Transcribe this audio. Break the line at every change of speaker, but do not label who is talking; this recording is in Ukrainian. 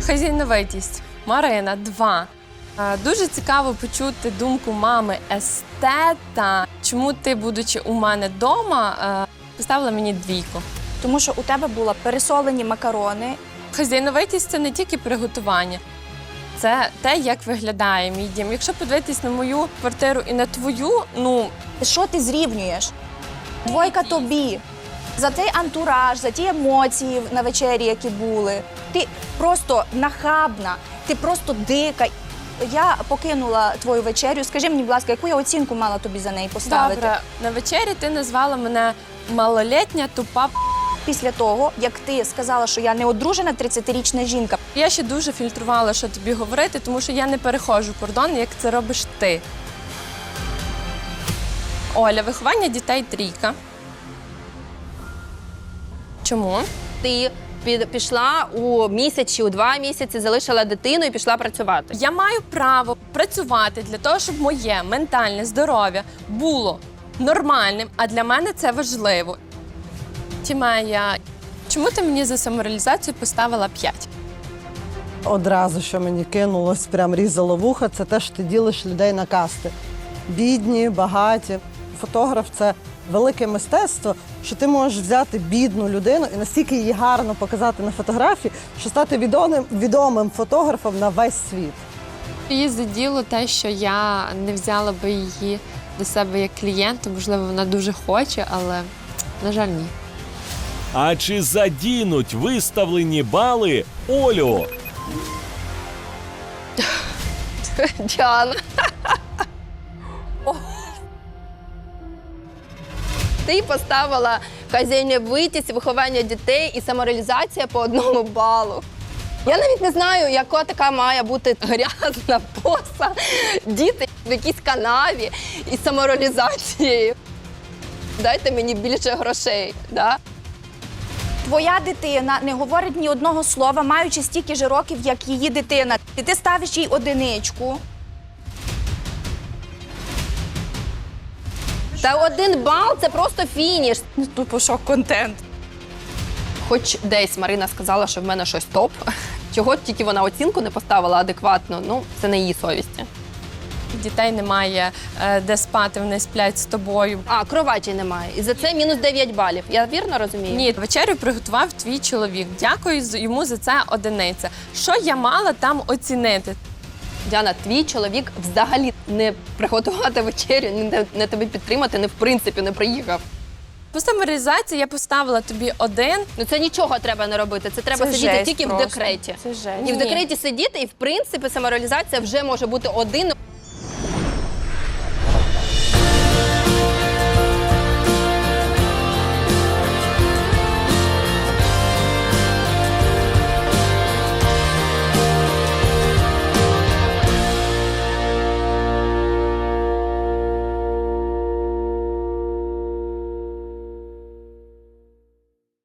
Хазяйновитість. Марина, 2. Дуже цікаво почути думку мами естета. Чому ти, будучи у мене вдома, поставила мені 2?
Тому що у тебе були пересолені макарони.
Хазяйновитість – це не тільки приготування. Це те, як виглядає мій дім. Якщо подивитись на мою квартиру і на твою,
Що ти зрівнюєш? 2 тобі. За той антураж, за ті емоції на вечері, які були. Ти просто нахабна, ти просто дика. Я покинула твою вечерю. Скажи мені, будь ласка, яку я оцінку мала тобі за неї поставити?
добре, на вечері ти назвала мене малолітня, тупа.
Після того, як ти сказала, що я не одружена 30-річна жінка.
Я ще дуже фільтрувала, що тобі говорити, тому що я не переходжу кордон, як це робиш ти. Оля, виховання дітей 3. Чому?
Ти пішла у місяць чи у 2 місяці, залишила дитину і пішла працювати.
Я маю право працювати для того, щоб моє ментальне здоров'я було нормальним, а для мене це важливо. Тімея, чому ти мені за самореалізацію поставила 5?
Одразу, що мені кинулось, прям різало вуха, це те, що ти ділиш людей на касти. Бідні, багаті. Фотограф – це велике мистецтво, що ти можеш взяти бідну людину і настільки її гарно показати на фотографії, що стати відомим фотографом на весь світ.
Її заділо те, що я не взяла би її до себе як клієнта. Можливо, вона дуже хоче, але, на жаль, ні.
А чи задінуть виставлені бали Олю?
Діана. Ти поставила хазяйновитість, виховання дітей і самореалізація по 1 балу. Я навіть не знаю, яка така має бути грязна поса, діти в якійсь канаві із самореалізацією. Дайте мені більше грошей. Да?
Твоя дитина не говорить ні одного слова, маючи стільки ж років, як її дитина. І ти ставиш їй 1.
Та 1 бал – це просто фініш.
Тупо шок-контент.
Хоч десь Марина сказала, що в мене щось топ. Чого тільки вона оцінку не поставила адекватно, це не її совісті.
Дітей немає, де спати, вони сплять з тобою.
А, кроваті немає. І за це мінус 9 балів. Я вірно розумію?
Ні, вечерю приготував твій чоловік. Дякую йому за це 1. Що я мала там оцінити?
Діана, твій чоловік взагалі не приготувати вечерю, не тебе підтримати, в принципі не приїхав.
По самореалізації я поставила тобі 1.
Це нічого треба не робити, це треба сидіти тільки
просто.
в декреті.
Це жесть.
І в декреті сидіти, і в принципі самореалізація вже може бути 1.